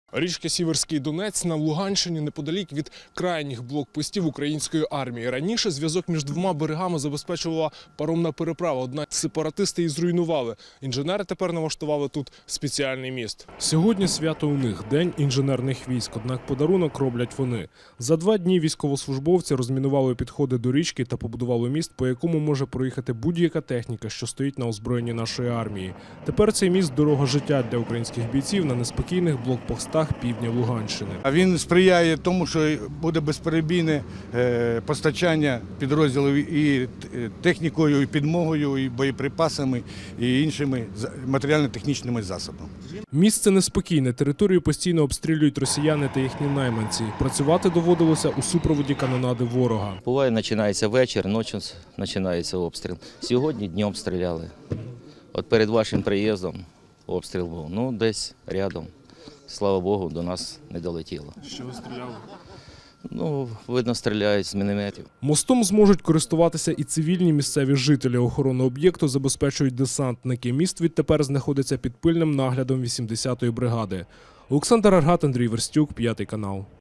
Річка Сіверський Донець на Луганщині неподалік від крайніх блокпостів української армії. Раніше зв'язок між двома берегами забезпечувала паромна переправа, однак сепаратисти її зруйнували. Інженери тепер налаштували тут спеціальний міст. Сьогодні свято у них – День інженерних військ, однак подарунок роблять вони. За 2 дні військовослужбовці розмінували підходи до річки та побудували міст, по якому може проїхати будь-яка техніка, що стоїть на озброєнні нашої армії. Тепер цей міст – дорога життя для українських бійців на неспокійних блокпостах півдня Луганщини. А він сприяє тому, що буде безперебійне постачання підрозділів і технікою, і підмогою, і боєприпасами, і іншими матеріально-технічними засобами. Місце неспокійне, територію постійно обстрілюють росіяни та їхні найманці. Працювати доводилося у супроводі канонади ворога. Буває, починається вечір, ночі починається обстріл. Сьогодні днем стріляли. От перед вашим приїздом обстріл був, десь рядом. Слава Богу, до нас не долетіло. Що ви стріляли? Видно, стріляють з мінометів. Мостом зможуть користуватися і цивільні місцеві жителі. Охорону об'єкту забезпечують десантники. Міст відтепер знаходиться під пильним наглядом 80-ї бригади. Олександр Аргат, Андрій Верстюк, 5 канал.